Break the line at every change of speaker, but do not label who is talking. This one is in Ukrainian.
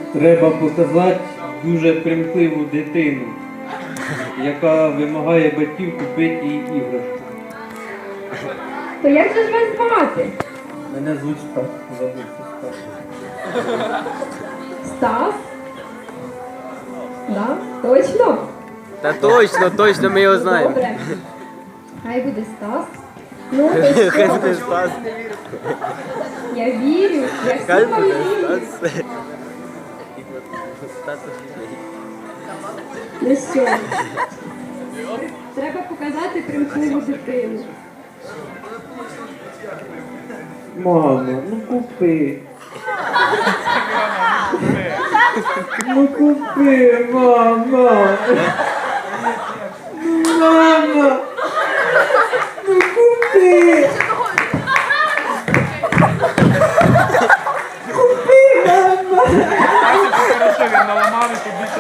Треба показати дуже примхливу дитину, яка вимагає батьків купити їй іграшку.
То як же ж вас звати?
Мене звуть Стас, забувся Стас.
Стас? Да? Точно?
Та точно, ми його знаємо.
Добре. Хай буде Стас. Ну, то
Хай
що?
буде Стас.
Я вірю, я
Хай
всім вам
буде
вірю.
Стас. Стас офігеть.
Ну що? Треба показати примхливу дитину.
Мамо, ну купи. Ну купи, мама. Ну, мама. Ну купи. Купи, мама.
Хорошо, він наламав і тобі